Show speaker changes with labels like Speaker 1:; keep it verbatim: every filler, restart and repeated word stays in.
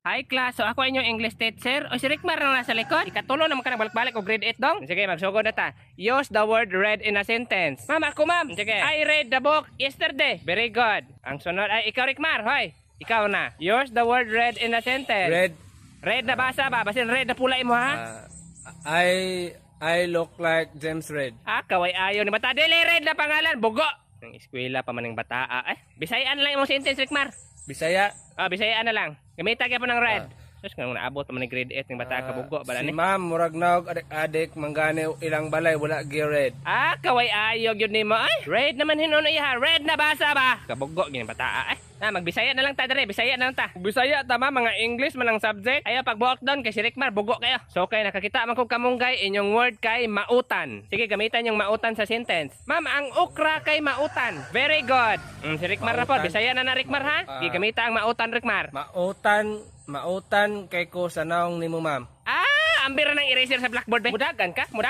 Speaker 1: Hi class, so ako inyong English teacher. O si Rickmar na nasa likod. Ikatulo naman ka na balik-balik o grade eight dong. Sige, magsugod na ta. Use the word read in a sentence. Ma'am, ako ma'am. Sige. I read the book yesterday. Very good. Ang sunod ay ikaw Rickmar. Hoy, ikaw na. Use the word read in a sentence.
Speaker 2: Red.
Speaker 1: Red na basa ba? Basin red na pulay mo ha?
Speaker 2: Uh, I I look like James Red.
Speaker 1: Ah, kaway ayaw ni bata. Dili red na pangalan. Bugo. Ang eskwela pa man ng bataa. Eh, Bisayaan lang yung sentence Rickmar.
Speaker 2: Bisaya.
Speaker 1: Ah, Bisayaan na lang. Gamita ka po ng red.
Speaker 2: Ah.
Speaker 1: Tapos kung naabot pa man ng grade eight ng bata ka bugo. Bala
Speaker 2: Si
Speaker 1: ni.
Speaker 2: ma'am, murag naog adik-adik, manggani ilang balay, wala gi red.
Speaker 1: Ah, kaway ayog yun ni mo. Ay, red naman hinuno iha. Red na basa ba? Kabugo, gini bata. Ay, ah, magbisaya na lang ta dere. Bisaya na lang ta. Bisaya tama, mga English man ang subject. Ayaw pag buhok doon kay si Rickmar, bugo kayo. So kay nakakita man kong kamunggay, inyong word kay mautan. Sige, gamitan yung mautan sa sentence. Ma'am, ang ukra kay mautan. Very good. Mm, si Rickmar na po.
Speaker 2: Mautan.
Speaker 1: Bisaya na na Rickmar ha?
Speaker 2: Ah.
Speaker 1: Sige, gamita ang mautan Rickmar.
Speaker 2: Mautan, mautan kay ko sa naong nimo ma'am.
Speaker 1: Ah, ambira ng eraser sa blackboard. Be. Mudagan ka? Mudagan.